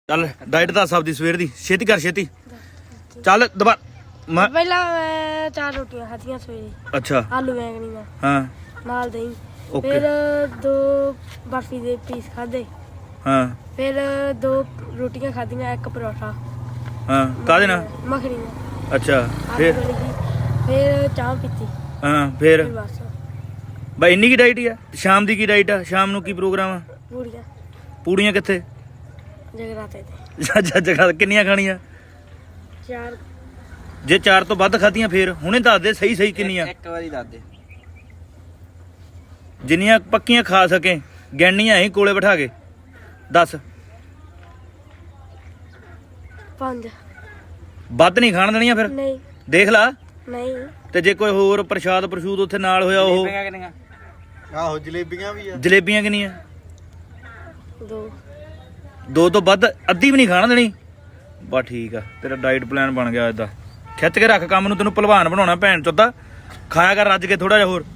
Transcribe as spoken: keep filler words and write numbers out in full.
ਚੱਲ ਡਾਈਟ ਦੱਸ ਆਪਦੀ ਸਵੇਰ ਦੀ ਛੇਤੀ ਕਰ ਛੇਤੀ ਚੱਲ ਦੁਬਾਰਾ ਮੈਂ ਪਹਿਲਾਂ ਮੈਂ ਚਾਰ ਰੋਟੀਆਂ ਖਾਧੀਆਂ ਸਵੇਰੇ ਅੱਛਾ ਆਲੂ ਬੈਂਗਣੀ ਨਾਲ ਹਾਂ ਨਾਲ ਦਹੀਂ ਓਕੇ ਫਿਰ ਦੋ ਬਰਫੀ ਦੇ ਪੀਸ ਖਾਦੇ ਹਾਂ ਫਿਰ ਦੋ ਰੋਟੀਆਂ ਖਾਧੀਆਂ ਇੱਕ ਪਰੌਠਾ ਹਾਂ ਕਾਹਦੇ ਨਾਲ ਮੱਖਣੀ ਨਾਲ ਅੱਛਾ ਆਲੂ ਫਿਰ ਵਾਲੀ ਦੀ ਫਿਰ ਚਾਹ ਪੀਤੀ ਹਾਂ ਫਿਰ ਫਿਰ ਬਸ ਬਈ ਇੰਨੀ ਕੀ ਡਾਈਟ ਆ ਸ਼ਾਮ ਦੀ ਕੀ ਡਾਈਟ ਆ ਸ਼ਾਮ ਨੂੰ ਕੀ ਪ੍ਰੋਗਰਾਮ ਆ ਪੂਰੀਆਂ ਪੂੜੀਆਂ ਕਿੱਥੇ ਜਗਰਾਤੇ ਤੇ ਜੱਜ ਜਗਾ ਕਿੰਨੀਆਂ ਖਾਣੀਆਂ ਚਾਰ ਜੇ ਚਾਰ ਤੋਂ ਵੱਧ ਖਾਧੀਆਂ ਫੇਰ ਹੁਣੇ ਦੱਸ ਦੇ ਸਹੀ ਸਹੀ ਕਿੰਨੀਆਂ ਇੱਕ ਵਾਰੀ ਦੱਸ ਦੇ ਜਿੰਨੀਆਂ ਪੱਕੀਆਂ ਖਾ ਸਕੇ ਗਿਣਨੀਆਂ ਅਸੀਂ ਕੋਲੇ ਬਿਠਾ ਕੇ ਦੱਸ ਪੰਜ ਵੱਧ ਨਹੀਂ ਖਾਣ ਦੇਣੀਆਂ ਫਿਰ ਨਹੀਂ ਦੇਖ ਲਾ ਨਹੀਂ ਤੇ ਜੇ ਕੋਈ ਹੋਰ ਪ੍ਰਸ਼ਾਦ ਪ੍ਰਸ਼ੂਦ ਉੱਥੇ ਨਾਲ ਹੋਇਆ ਉਹ ਜਲੇਬੀਆਂ ਕਿੰਨੀਆਂ ਆਹੋ ਜਲੇਬੀਆਂ ਵੀ ਆ ਜਲੇਬੀਆਂ ਕਿੰਨੀਆਂ ਦੋ ਦੋ ਤੋਂ ਵੱਧ ਅੱਧੀ ਵੀ ਨਹੀਂ ਖਾਣ ਦੇਣੀ ਬਸ ਠੀਕ ਆ ਤੇਰਾ ਡਾਈਟ ਪਲਾਨ ਬਣ ਗਿਆ ਏਦਾਂ ਖਿੱਚ ਕੇ ਰੱਖ ਕੰਮ ਨੂੰ ਤੈਨੂੰ ਭਲਵਾਨ ਬਣਾਉਣਾ ਭੈਣ ਚੋਦਾ ਖਾਇਆ ਕਰ ਰੱਜ ਕੇ ਥੋੜਾ ਜਿਹਾ ਹੋਰ